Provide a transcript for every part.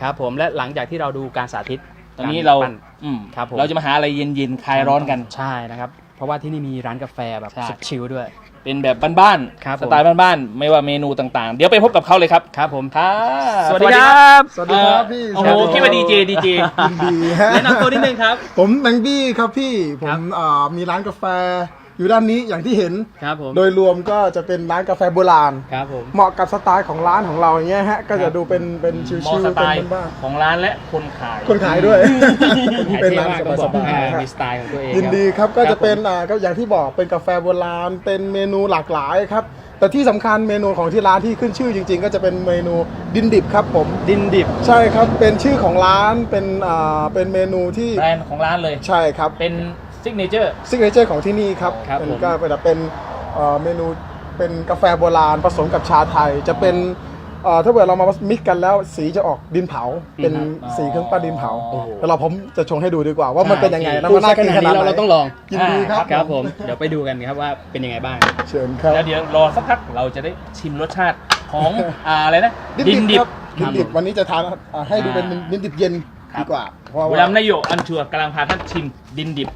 ครับผมและหลังจากที่เราดูการสาธิตตอนนี้เราครับผมเราจะมาหาอะไรเย็นๆคลายร้อนกันใช่นะครับเพราะว่าที่นี่มีร้านกาแฟแบบใช่สุดชิลด้วยเป็นแบบบ้านครับผมสไตล์บ้านๆไม่ว่าเมนูต่างๆ เดี๋ยวไปพบกับเขาเลยครับครับผมค่ะสวัสดีครับสวัสดีครับพี่โอ้โหคิดว่าดีเจยินดีฮะแนะนำตัวนิดนึงครับผมแบงบี้ครับพี่ผครัมบมีร้านกาแฟอยู่ด้านนี้อย่างที่เห็นครับผมโดยรวมก็จะเป็นร้านกาแฟโบราณครับผมเหมาะกับสไตล์ของร้านของเราอย่างเงี้ยฮะก็จะดูเป็นชิมอวสๆไตเป็นล์บ้านของร้านและคนขายๆคนขายด้วยขายเป็นเท่ร้านมากต้องบสอกบายๆฮะมีสไตล์ของตัวเองยินครับดีครับก็ครับจะเป็นก็อย่างที่บอกเป็นกาแฟโบราณเป็นเมนูหลากหลายครับแต่ที่สำคัญเมนูของที่ร้านที่ขึ้นชื่อจริง ๆ ก็จะเป็นเมนูดินดิบครับผมดินดิบใช่ครับเป็นชื่อของร้านเป็นเมนูที่แบรนด์ของร้านเลยใช่ครับเป็นซิกเนเจอร์ซิกเนเจอร์ของที่นี่ครับครับเป็นผมก็เป็นเมนูเป็นกาแฟโบราณผสมกับชาไทย จะเป็นถ้าเกิดเรามามิกกันแล้วสีจะออกดินเผา เป็นสีเครื่องปั้นดินเผาโอ้โหแล้วผมจะชงให้ดูดีกว่าว่ามันเป็นยังไงนะพูมัดนน่าขกินนาดขนาดนี้ไหนเราต้องลองยินดีครับครับผมเดี๋ยวไปดูกันครับว่าเป็นยังไงบ้างเชิญครับแล้วเดี๋ยวรอสักพักเราจะได้ชิมรสชาติของอะไรนะดินดิบครับคดิรับนดิบวันนี้จะทานให้ดูเป็นดินดิบเย็นครับดีกว่าเพราะบุว่ารัมย์นายโยอันชัวร์กำลังพาท่านชิมดินดิบ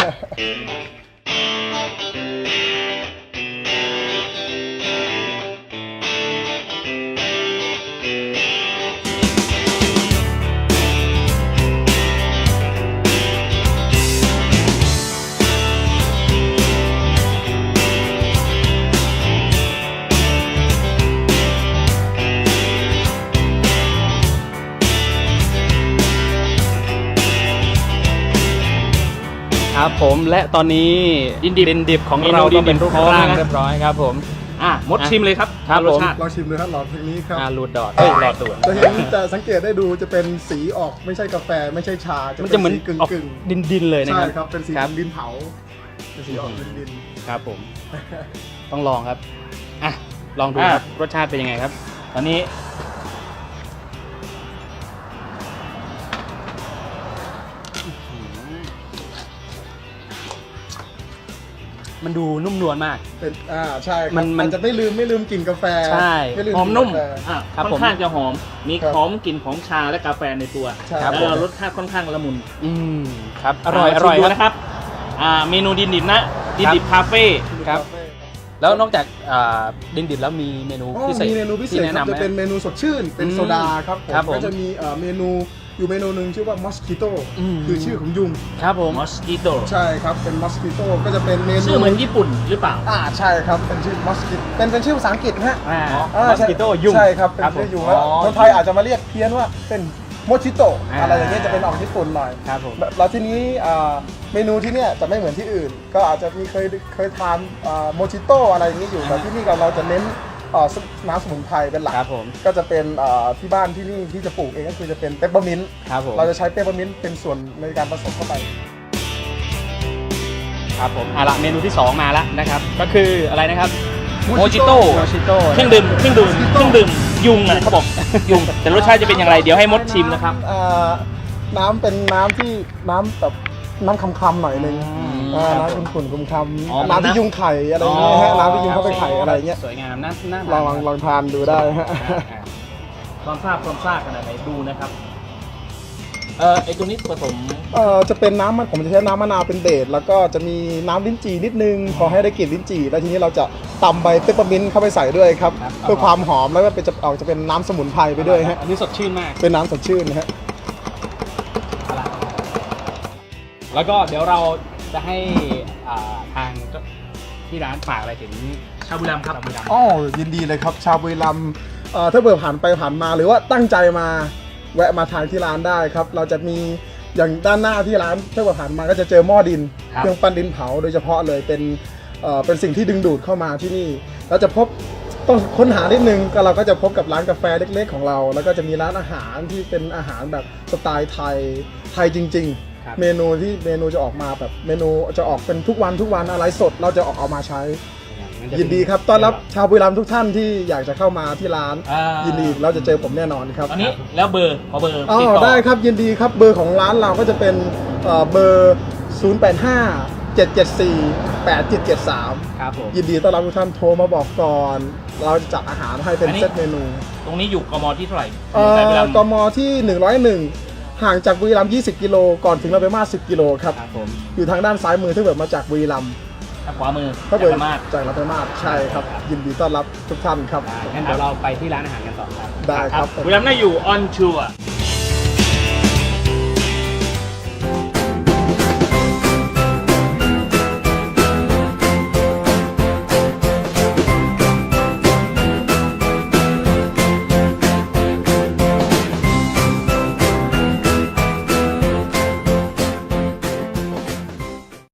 ครับผมและตอนนี้ดินดิบดิบของเมนูเราก็เป็นดินดิบรูปร่างพร้อมแล้วนะเรียบร้อยครับผมมดชิมเลยครับครับรสผมชาติลองชิมดูครับหลอดเพลงนี้ครับรูดดอทรอดตัวจะเห็นจะสังเกตได้ดูจะเป็นสีออกไม่ใช่กาแฟไม่ใช่ชามันจะเหมือนสีกึ่งออกกึ่งดินเลยนะใช่ครับครับเป็นสีครับดินเผาเป็นสีออกดินครับผม ต้องลองครับอ่ะลองดูครับรสชาติเป็นยังไงครับตอนนี้มันดูนุ่มนวลมากเป็นใช่ครับมันมันจะไม่ลืมกลิ่นกาแฟใช่ไม่ลืมหอมนุ่มกลิ่กาแฟครับค่อนข้างจะหอม มีครับหอมกลิ่นของชาและกาแฟในตัวใช่แล้วรสชาติค่อนข้างละมุนอืมครับอร่อยชิมดูครับนะครับเมนูดินดิบนะดินดิบคาเฟ่ครับ แล้วนอกจากดินดิบแล้วมีเมนูอ๋อพิเศษมีเมนูพิเศษที่แนะครับจะเป็นไหมเมนูสดชื่นเป็นอืมโซดาครับครับผมก็จะมีเมนูอยู่เมนูหนึ่งชื่อว่ามอสคิโตอืมคือชื่อของยุงครับผมมอสกิโตใช่ครับเป็นมอสคิโตก็จะเป็นเมนูชื่อเหมือนญี่ปุ่นหรือเปล่าใช่ครับเป็นชื่อมอสคิเป็นชื่อภาษาอังกฤษนะฮะมอสกิโต้ยุงใช่ครับเป็นผมชื่อยุงแล้วคนไทยอาจจะมาเรียกเพี้ยนว่าเป็นโมชิโตะอ่าอะไรอย่างเงี้ยจะเป็นออกญี่ปุ่นหน่อยครับผมแล้วทีนี้เมนูที่เนี่ยจะไม่เหมือนที่อื่น ก็อาจจะมีเคยทานโมชิโตะอะไรอย่างนี้อยู่แต่ที่นี่เราจะเน้นน้ำสมุนไพรเป็นหลักครับผมก็จะเป็นที่บ้านที่นี่ที่จะปลูกเองก็คือจะเป็นเปปเปอร์มินต์ครับผมเราจะใช้เปปเปอร์มินต์เป็นส่วนในการผสมเข้าไปครับผมละเมนูที่ 2 มาแล้วนะครับ ก็คืออะไรนะครับโมจิโต้โมชิโต้เครื่องดื่มยุงอ่ะเขาบอกยุงแต่รสชาติจะเป็นอย่างไรเดี๋ยวให้มดชิมนะครับน้ำเป็นน้ำที่น้ำแบบน้ำคำๆหน่อยนึงครับผมน้ำขุ่นๆคำอ๋อๆน้ำที่ยุงไข่อะไรอย่างเงี้ยฮะน้ำที่ยุงเข้าไปไข่อะไรอย่างเงี้ยสวยงามน่าลองทานดูได้ฮะความซ่าขนาดไหนดูนะครับไอตัวนี้ผสมจะเป็นน้ำผมจะใช้น้ำมะนาวเป็นเบสแล้วก็จะมีน้ำลิ้นจี่นิดนึงพอให้ได้กลิ่นลิ้นจี่แล้วทีนี้เราจะตำใบเปปเปอร์มินต์เข้าไปใส่ด้วยครับเพื่อความหอมแล้วก็จะเป็นน้ำสมุนไพรไปด้วยฮะอันนี้สดชื่นมากเป็นน้ำสดชื่นนะฮะแล้วก็เดี๋ยวเราจะให้ทางที่ร้านฝากอะไรถึงชาบูรัมย์ครับอ๋อยินดีเลยครับชาวบุรีรัมย์ถ้าเบื่อผ่านไปผ่านมาหรือว่าตั้งใจมาแวะมาทานที่ร้านได้ครับเราจะมีอย่างด้านหน้าที่ร้านถ้าเบื่อผ่านมาก็จะเจอหม้อดินครับเครื่องปั้นดินเผาโดยเฉพาะเลยเป็นสิ่งที่ดึงดูดเข้ามาที่นี่เราจะพบต้องค้นหานิดนึงก็เราก็จะพบกับร้านกาแฟเล็กๆของเรา แล้วก็จะมีร้านอาหารที่เป็นอาหารแบบสไตล์ไทยจริงครับๆ เมนูจะออกมาแบบเมนูจะออกเป็นทุกวันอะไรสดเราจะออกมาใช้ ยินดีครับต้อนรับชาวบุรีรัมย์ทุกท่านที่อยากจะเข้ามาที่ร้าน ยินดีเราจะเจอผมแน่นอนครับตอนนี้แล้วเบอร์ขอเบอร์อ๋ติดอต่อได้ครับยินดีครับเบอร์ของร้านเราก็จะเป็นเบอร์ 085 774 8773 ครับผมยินดีต้อนรับทุกท่านโทรมาบอกก่อน เราจะจัดอาหารให้เป็นอันนี้เซตเมนูตรงนี้อยู่กมที่เท่าไหร่กกมที่ 101 ห่างจากบุรีรัมย์20 กิโลก่อนถึงเราไปมา10 กิโลครับครับผมอยู่ทางด้านซ้ายมือถ้าเกิดมาจากบุรีรัมย์ทางขวามือถ้าเกิดสามารถจากเราไปมาศใช่ครับ ยินดีต้อนรับทุกท่านครับงั้นเดี๋ยวเราไปที่ร้านอาหารกันต่อครับได้ครับบุรีรัมย์น่าอยู่ออนชัวร์